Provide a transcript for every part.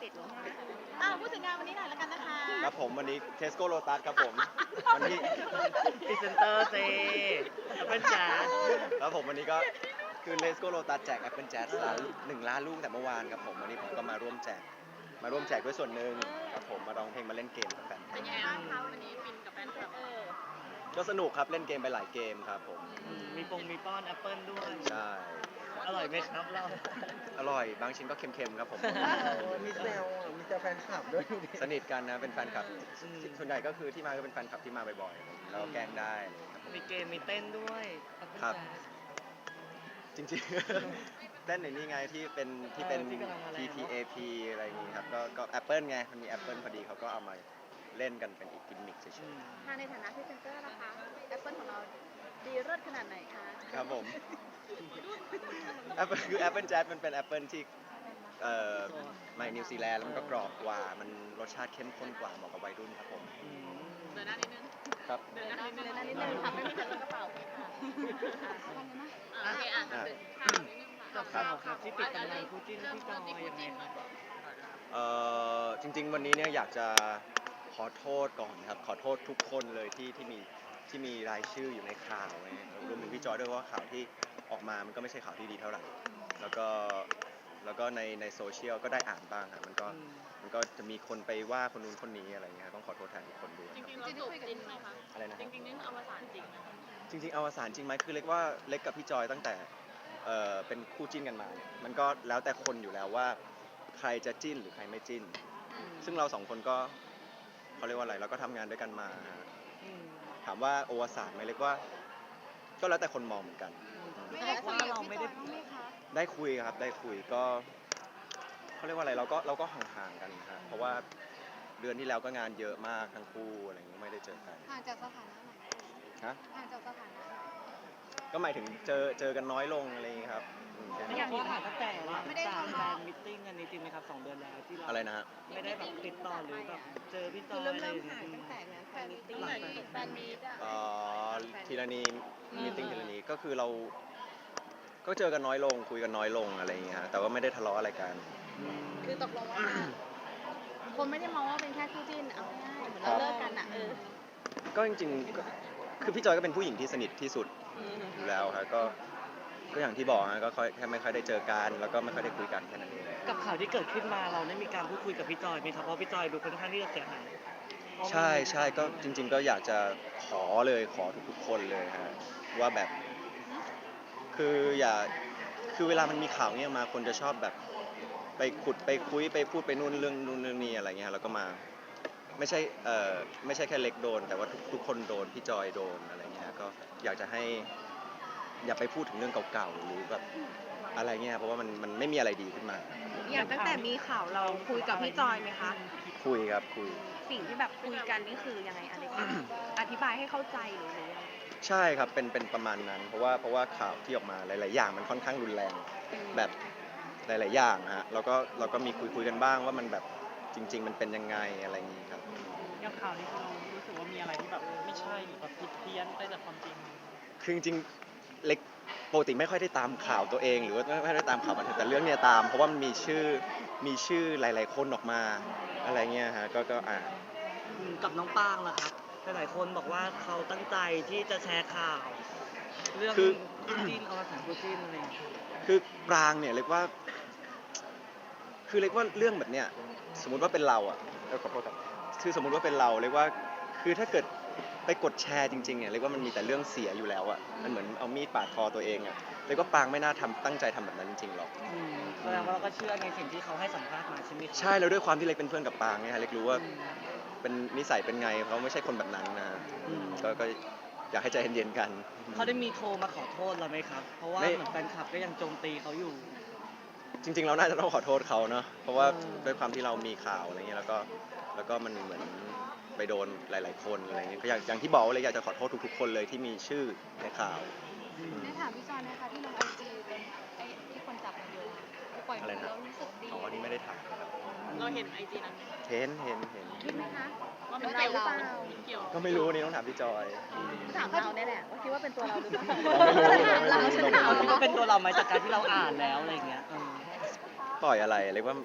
ตหรือว่าพูดถึงงานวันนี้หน่อยแล้วกันนะคะครับผมวันนี้เทสโก้โ o ตัสครับผมวันนี้พรีเซนเตอร์เซเป็นจ๋าแล้วผมวันนี้ก็คือเทสโก้โ o ตัสแจก Apple Jazz 1 ล้านลูกแต่เมื่อวานครับผมวันนี้ผมก็มาร่วมแจกด้วยส่วนหนึ่งครับผมมาร้องเพลงมาเล่นเกมกับแฟนคลัเป็บนยังไงบ้างคะวันนี้ฟินกับแฟนคลับก็สนุกครับเล่นเกมไปหลายเกมครับผมมีมีป้อนแอปเปิลด้วยใช่อร่อยไหมครับเราอร่อยบางชิ้นก็เค็มๆครับผมมีแซวมีแซวแฟนคลับด้วยดูดิสนิทกันนะเป็นแฟนคลับส่วนใหญ่ก็คือที่มาก็เป็นแฟนคลับที่มาบ่อยๆแล้วก็แกล้งได้อะไรอย่างเงี้ยครับมีเกมมีเต้นด้วยครับ จริงๆ เต้นในนี่ไงที่เป็นที่กำลังมาแรง TTAP อะไรอย่างงี้ครับก็ Apple ไงมันมี Apple พอดีเขาก็เอามาเล่นกันเป็นอีกกิมมิคเฉยถ้าในฐานะพรีเซนเตอร์นะคะแอปเปิลของเราดีเลิศขนาดไหนคะๆครับผม Apple คือ Apple Jazz มันเป็น Apple ที่มานิวซีแลนด์แล้วมันก็กรอบกว่ามันรสชาติเข้มข้นกว่าเหมาะกับวัยรุ่นครับผมเดินหน้านิดนึงครับเดินหน้านิดนึงค่ะไม่มีใครรู้กระเป๋าเลยค่ะโอเคข่าวนิดนึงกับข่าวครับที่ปิดตำนานคู่จิ้นพี่จอยยังไงครับจริงๆ วันนี้เนี่ยอยากจะขอโทษก่อนครับขอโทษทุกคนเลยที่มีรายชื่ออยู่ในข่าวนะรวมถึงพี่จอยด้วยเพราะว่าข่าวที่ออกมามันก็ไม่ใช่ข่าวที่ดีเท่าไหร่แล้วก็ในโซเชียลก็ได้อ่านบ้างครับมันก็จะมีคนไปว่าคนนู้นคนนี้อะไรเงี้ยต้องขอโทษแทนทุกคนด้วยจริงๆเราจูบจริงไหมคะอะไรนะจริงๆนี่อวสานจริงไหมจริงๆอวสานจริงไหมคือเล็กว่าเล็กกับพี่จอยตั้งแต่เป็นคู่จิ้นกันมาเนี่ยมันก็แล้วแต่คนอยู่แล้วว่าใครจะจิ้นหรือใครไม่จิ้น ซึ่งเราสองคนก็เขาเรียกว่าอะไรเราก็ทำงานด้วยกันมาฮะถามว่าโอวสานไหมเล็กว่า ก็แล้วแต่คนมองเหมือนกันไม่ได้ว่าเราไม่ได้ได้คุยครับได้คุยก็เขาเรียกว่าอะไรเราก็ห่างๆกันนะฮะเพราะว่าเดือนที่แล้วก็งานเยอะมากทั้งคู่อะไรอย่างเงี้ยไม่ได้เจอกันห่างจากสถานะไหนฮะห่างจากสถานะไหนก็หมายถึงเจอกันน้อยลงอะไรอย่างเงี้ยครับแค่ไม่นั้นอยากถามตั้งแต่ว่าตามแฟนมิทติ้งกันนี้จริงไหมครับ2 เดือนแล้วที่เราอะไรนะฮะไม่ได้แบบติดต่อหรือแบบเจอพี่จคืออยเริ่มอะไรอย่างห่างเงี้ยตั้งแต่งานแฟนมิตติ้งแฟนมีดอะทีละนีมีติ้งทีละนีก็คือเราก็เจอกันน้อยลงคุยกันน้อยลงอะไรอย่างเงี้ยฮะแต่ว่าไม่ได้ทะเลาะอะไรกันคือตกลงว่าคนไม่ได้มองว่าเป็นแค่คู่จิ้นเอาง่ายๆเหมือนเราเลิกกันอ่ะก็จริงๆก็คือพี่จอยก็เป็นผู้หญิงที่สนิทที่สุดอยู่แล้วครับก็อย่างที่บอกฮะก็แค่ไม่ค่อยได้เจอกันแล้วก็ไม่ค่อยได้คุยกันแค่นั้นเองกับข่าวที่เกิดขึ้นมาเราได้มีการพูดคุยกับพี่จอยไหมครับเพราะพี่จอยดูค่อนข้างที่จะเสียหายใช่ก็จริง ๆ ก็อยากจะขอทุกๆคนเลยฮะว่าแบบคือเวลามันมีข่าวเนี้ยมาคนจะชอบแบบไปขุดไปคุยไปพูดไปนู่นเรื่องนี้อะไรเงี้ยแล้วก็มาไม่ใช่แค่เล็กโดนแต่ว่าทุกคนโดนพี่จอยโดนอะไรเงี้ยก็อยากจะให้อย่าไปพูดถึงเรื่องเก่าๆหรือแบบอะไรเงี้ยเพราะว่ามันไม่มีอะไรดีขึ้นมาอย่างตั้งแต่มีข่าวเราคุยกับพี่จอยไหมคะคุยครับคุยสิ่งที่แบบคุยกันนี่คือยังไงอะไรกันอธิบายให้เข้าใจหรือยังไงใช่ครับเป็นประมาณนั้นเพราะว่าข่าวที่ออกมาหลายๆอย่างมันค่อนข้างรุนแรงแบบหลายๆอย่างฮะเราก็มีคุยกันบ้างว่ามันแบบจริง ๆ มันเป็นยังไงอะไรอย่างงี้ครับอย่างข่าวนี้คือเรารู้สึกว่ามีอะไรที่แบบไม่ใช่หรือแบบผิดเพี้ยนไปจากความจริงคือจริงๆเล็กปกติไม่ค่อยได้ตามข่าวตัวเองหรือว่าไม่ค่อยได้ตามข่าวบันเทิงแต่เรื่องเนี้ยตามเพราะว่ามันมีชื่อหลายๆคนออกมาอะไรเงี้ยฮะก็อ่านกับน้องปางล่ะครับหลายๆคนบอกว่าเขาตั้งใจที่จะแชร์ข่าว เรื่องจิ้นอวสานคู่จิ้นอะไรอย่างเงี้ยคือปรางเนี่ยเรียกว่าเรื่องแบบเนี้ยสมมุติว่าเป็นเราอ่ะขอโทษครับคือสมมุติว่าเป็นเราเรียกว่าคือถ้าเกิดไปกดแชร์จริงๆเนี่ยเรียกว่ามันมีแต่เรื่องเสียอยู่แล้วอ่ะมันเหมือนเอามีดปาดคอตัวเองอ่ะเรียกว่าปรางไม่น่าตั้งใจทำแบบนั้นจริงๆหรอกแสดงว่าเราก็เชื่อในสิ่งที่เขาให้สัมภาษณ์มาใช่ไหมครับใช่แล้วด้วยความที่เล็กเป็นเพื่อนกับปรางเนี่ยฮะเล็กรู้ว่าเป็นนิสัยเป็นไงเขาไม่ใช่คนแบบนั้นนะก็อยากให้ใจเย็นๆกันเขาได้มีโทรมาขอโทษเราไหมครับ เพราะว่าไม่เหมือนแฟนคลับก็ยังโจมตีเขาอยู่จริงๆเราน่าจะต้องขอโทษเขาเนาะเพราะว่าด้วยความที่เรามีข่าวอะไรเงี้ยแล้วก็มันเหมือนไปโดนหลายๆคนอะไรเงี้ยก็อย่างที่บอกเลยอยากจะขอโทษทุกๆคนเลยที่มีชื่อในข่าวได้ถามพี่จอยไหมคะที่ลงไอจีเป็นไอ้ที่คนจับมาโยงปล่อยมือแล้วรู้สึกดีอ๋อนี่ไม่ได้ถามครับเราเห็นไอจีนั้นเห็นคิดไหมคะว่าเป็นเราหรือเปล่าเกี่ยวก็ไม่รู้นี่ต้องถามพี่จอยถามเราเนี่ยแหละว่าคิดว่าเป็นตัวเราหรือเปล่าเราไม่รู้เราคิดว่าเป็นตัวเราไหมจากการที่เราอ่านแล้วอะไรอย่างเงี้ยปล่อยอะไรเรียกว่า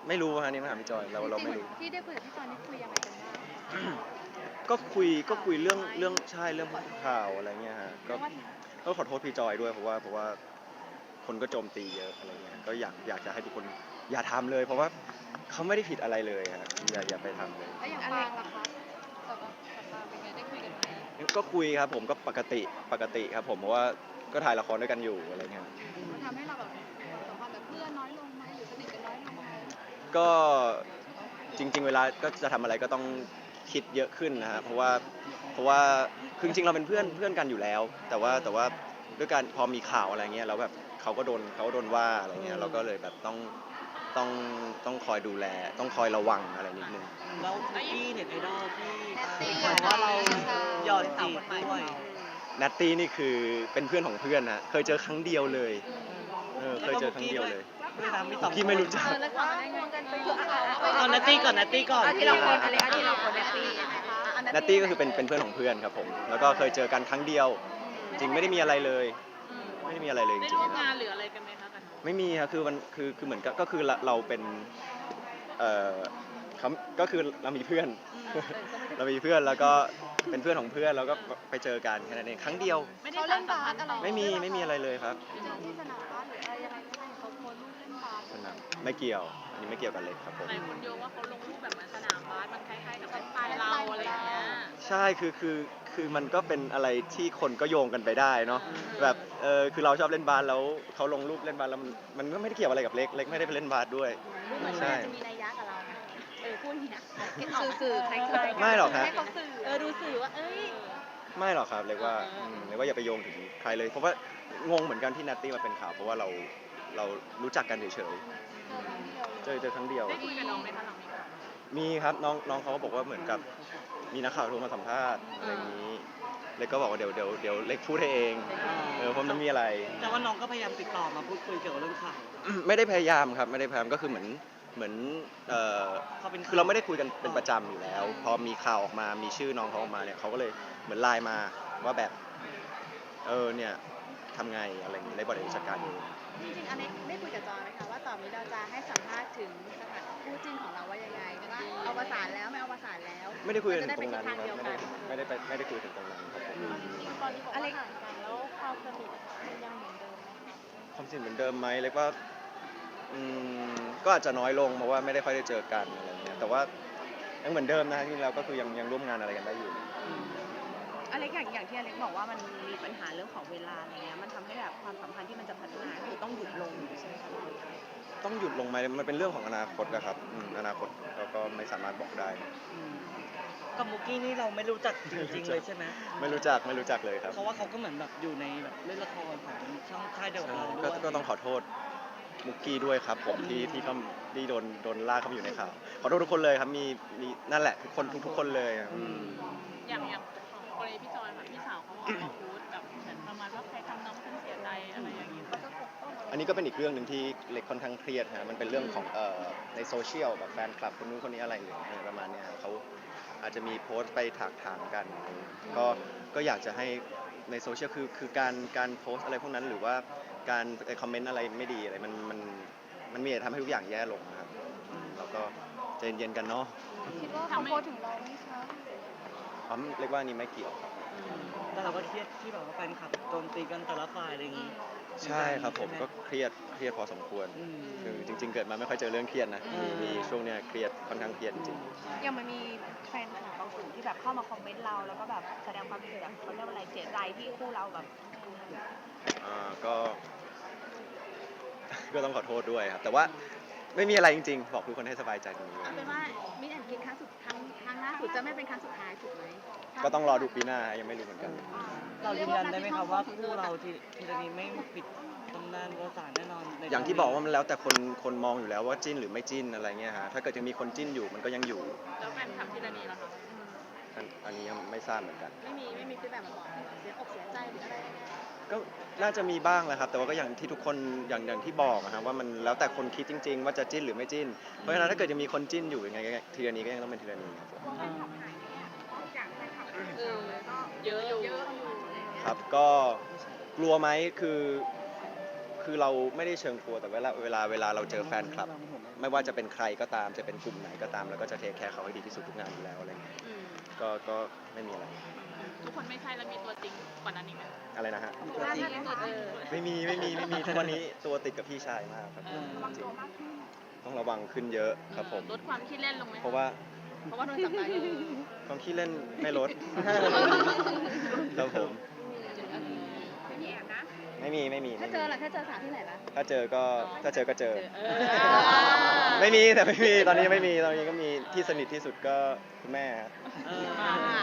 ไม่รู้ฮะนี่มาถามพี่จอยเราไม่รู้ที่ได้คุยกับพี่จอยนี่คุยยังไงกันบ้างก็คุยเรื่องใช่เรื่องข่าวอะไรเงี้ยฮะก็ขอโทษพี่จอยด้วยเพราะว่าคนก็โจมตีเยอะอะไรเงี้ยก็อยากจะให้ทุกคนอย่าทำเลย เพราะว่าเขาไม่ได้ผิดอะไรเลยฮะอย่าไปทำเลยแล้วอย่างปางล่ะคะกับปางเป็นไงได้คุยกันไหมก็คุยครับผมก็ปกติครับผมเพราะว่าก็ถ่ายละครด้วยกันอยู่อะไรเงี้ยมันทำให้เราแบบสัมพันธ์กับเพื่อนน้อยลงไหมหรือสนิทกันน้อยลงไหมก็จริง ๆ เวลาก็จะทำอะไรก็ต้องคิดเยอะขึ้นนะฮะเพราะว่าคือจริงๆเราเป็นเพื่อนกันอยู่แล้ว แต่ว่าด้วยการพอมีข่าวอะไรเงี้ยแล้วแบบเขาก็โดนว่าอะไรเงี้ยเราก็เลยแบบต้องคอยดูแลต้องคอยระวังอะไรนิดนึงแล้วพี่เน็ตไอดอลที่ตี้บอกว่าเราหยอดจีบด้วยนัตตี้นี่คือเป็นเพื่อนของเพื่อนนะเคยเจอครั้งเดียวเลยเคยเจอครั้งเดียวเลยด้วยนะมีสองพี่ไม่รู้จักแล้วก่อนได้ไงกันไปอยู่เอานัตตี้ก่อนที่เราคนอะไรที่เราคนแรกปีนัตตี้ก็คือเป็นเพื่อนของเพื่อนครับผมแล้วก็เคยเจอกันครั้งเดียว จริงไม่ได้มีอะไรเลย ไม่ได้มีอะไรเลยจได้ริงร่วมงานหรืออะไรกันไหมคะกันๆไม่มีครับคือมันคือเหมือนก็คือเราเป็นเขาก็คือเรามีเพื่อน เรามีเพื่อนแล้วก็เป็นเพื่อนของเพื่อนแล้วก็ไปเจอกันแค่นั้นเองครั้งเดียวไม่ได้เขาเล่นบาสอะไรไม่มีอะไรเลยครับเจอที่สนามบาสหรืออะไรยังไงไม่ให้เขาโพสต์รูปเล่นบาสสนามไม่เกี่ยวอันนี้ไม่เกี่ยวกันเลยครับผมหลายคนโยงว่าเขาลงรูปแบบเหมือนสนามบาสมันคล้ายๆกับเป็นสไตล์เราอะไรอย่างเงี้ยใช่คือมันก็เป็นอะไรที่คนก็โยงกันไปได้เนาะแบบคือเราชอบเล่นบาสแล้วเขาลงรูปเล่นบาสแล้วมันก็ไม่ได้เกี่ยวอะไรกับเล็กไม่ได้ไปเล่นบาสด้วยเหมือนใช่จะมีนัยยะกับเรานะพูดเนี่ยสื่อคล้ายๆไม่หรอกฮะให้เขาสื่อดูสื่อว่าเอ้ยไม่หรอกครับเรียกว่าอย่าไปโยงถึงใครเลย เพราะว่างงเหมือนกันที่นัตตี้มาเป็นข่าวเพราะว่าเรารู้จักกันเฉยๆเจอครั้งเดียวได้คุยกับน้องไหมคะหลังนี้มีครับน้องเขาก็บอกว่าเหมือนกับมีนักข่าวโทรมาสัมภาษณ์อะไรอย่างนี้เล็กก็บอกว่าเดี๋ยวเล็กพูดให้เองเพราะมันมีอะไรแต่ว่าน้องก็พยายามติดต่อมาพูดคุยเกี่ยวกับเรื่องข่าวไม่ได้พยายามครับไม่ได้พยายามก็คือเหมือนคือเราไม่ได้คุยกันเป็นประจำอยู่แล้ว พอมีข่าวออกมามีชื่อน้องเขาออกมาเนี่ยเขาก็เลยเหมือนไลน์มาว่าแบบเนี่ยทำไงอะไรอย่างนี้เลยบอกเดี๋ยวจัดการเองจริงๆอันนี้ได้คุยกับจอยไหมคะว่าต่อนี้เราจะให้สัมภาษณ์ถึงสถานคู่จิ้นของเราว่ายังไงว่าเอาประสานแล้วไม่เอาประสานแล้วไม่ได้คุยกันจะได้ตไปรงทิศนั้นทางเดียวคกัรับนไม่ได้คุยถึงตรงนั้นครับผมตอนนี้บอกว่าห่างกันแล้วความสนิทมันยังเหมือนเดิมไหมคะความสนิทเหมือนเดิมไหมเล็กว่าก็อาจจะน้อยลงเพราะว่าไม่ได้ค่อยได้เจอกันอะไรเงี้ยแต่ว่ายังเหมือนเดิมนะที่เราก็คือยังร่วมงานอะไรกันได้อยู่อเล็กอย่างที่อเล็กบอกว่ามันมีปัญหาเรื่องของเวลาอะไรเงี้ยมันทำให้แบบความสัมพันธ์ที่มันจะพัฒนาคือต้องหยุดลงใช่ไหมคะต้องหยุดลงไหมมันเป็นเรื่องของอนาคตนะครับอนาคตเราก็ไม่สามารถบอกได้กับมุกกี้นี่เราไม่รู้จักจริงๆเลยใช่ไหมไม่รู้จักเลยครับเพราะว่าเขาก็เหมือนแบบอยู่ในแบบเล่นละครของช่องค่ายเดียวกับเราด้วยก็ต้องขอโทษมุกกี้ด้วยครับผมที่เขาที่โดนลากเข้ามาอยู่ในข่าวขอโทษทุกคนเลยครับมีนั่นแหละทุกคนเลยอืมอย่างของกรณีพี่จอยค่ะพี่สาวเขาออกมาพูดแบบเหมือนประมาณว่าใครทำน้องฉันเสียใจอะไรอย่างนี้เขาจะปกป้องอันนี้ก็เป็นอีกเรื่องหนึ่งที่เล็กค่อนข้างเครียดฮะมันเป็นเรื่องของในโซเชียลแบบแฟนคลับคนนู้นคนนี้อะไรอย่างเงี้ยประมาณเนี้ยเขาอาจจะมีโพสต์ไปถากถางกันก็อยากจะให้ในโซเชียลคือการโพสต์อะไรพวกนั้นหรือว่าการคอมเมนต์อะไรไม่ดีอะไรมันมีแต่ทำให้ทุกอย่างแย่ลงนะครับแล้วก็ใจเย็นๆกันเนาะคิดว่าเขาโพสต์ถึงเราไหมคะเรียกว่านี่ไม่เกี่ยวครับแต่เราก็เครียดที่แบบว่าแฟนคลับโจมตีกันแต่ละฝ่ายอะไรอย่างงี้ใช่ครับผมก็เครียดพอสมควร คือจริงๆเกิดมาไม่ค่อยเจอเรื่องเครียดนะมีช่วงเนี้ยเครียดค่อนข้างเครียดจริงยังมันมีแฟนคลับบางกลุ่มที่แบบเข้ามาคอมเมนต์เราแล้วก็แบบแสดงความเสียเขาเรียกว่าอะไรเสียใจที่คู่เราแบบก็ ก็ต้องขอโทษด้วยครับแต่ว่าไม่มีอะไรจริงๆบอกทุกคนให้สบายใจตรงนี้เอาเป็นว่ามิสแอนด์กินครั้งล่าสุดจะไม่เป็นครั้งสุดท้ายถูกไหมก็ต้องรอดูปีหน้ายังไม่รู้เหมือนกันเรายืนยันได้ไหมครับว่าคู่เราทีละนี้ไม่ปิดตำนานประวัติศาสตร์แน่นอนในอย่างที่บอกว่ามันแล้วแต่คนมองอยู่แล้วว่าจิ้นหรือไม่จิ้นอะไรเงี้ยฮะถ้าเกิดยังมีคนจิ้นอยู่มันก็ยังอยู่แล้วแฟนคลับที่ระนีล่ะคะอันนี้ยังไม่ทราบเหมือนกันไม่มีฟีดแบ็กมาบอกเสียอกเสียใจหรืออะไรก็น่าจะมีบ้างแหละครับ แต่ว่าก็อย่างที่ทุกคนอย่างที่บอกนะครับว่ามันแล้วแต่คนคิดจริง ๆ ว่าจะจิ้นหรือไม่จิ้น เพราะฉะนั้นถ้าเกิดยังมีคนจิ้นอยู่ยังไงทีละนี้ก็ยังต้องเป็นทีละนี้ครับผมเยอะอยู่ครับก็กลัวไหมคือเราไม่ได้เชิงกลัวแต่เวลาเราเจอแฟนคลับไม่ว่าจะเป็นใครก็ตามจะเป็นกลุ่มไหนก็ตามแล้วก็จะเทคแคร์เขาให้ดีที่สุดทุกงานอยู่แล้วอะไรเงี้ยอืมก็ไม่มีอะไรทุกคนไม่ใช่แล้วมีตัวจริงกว่านั้นอีกไหมอะไรนะฮะตัวจริงตัวจริงไม่มีทุกวันนี้ตัวติดกับพี่ชายมากครับระวังตัวมากขึ้นต้องระวังขึ้นเยอะครับผมลดความขี้เล่นลงไหมเพราะว่าเพราะว่าโดนจับได้ความขี้เล่นไม่ลด ครับผมมีแอบนะไม่มีถ้าเจอล่ะถ้าเจอสาวที่ไหนล่ะถ้าเจอก็เจอเออไม่มีแต่ไม่มีตอนนี้ยังไม่มีตอนนี้ก็มีที่สนิทที่สุดก็คุณแม่ครับเออ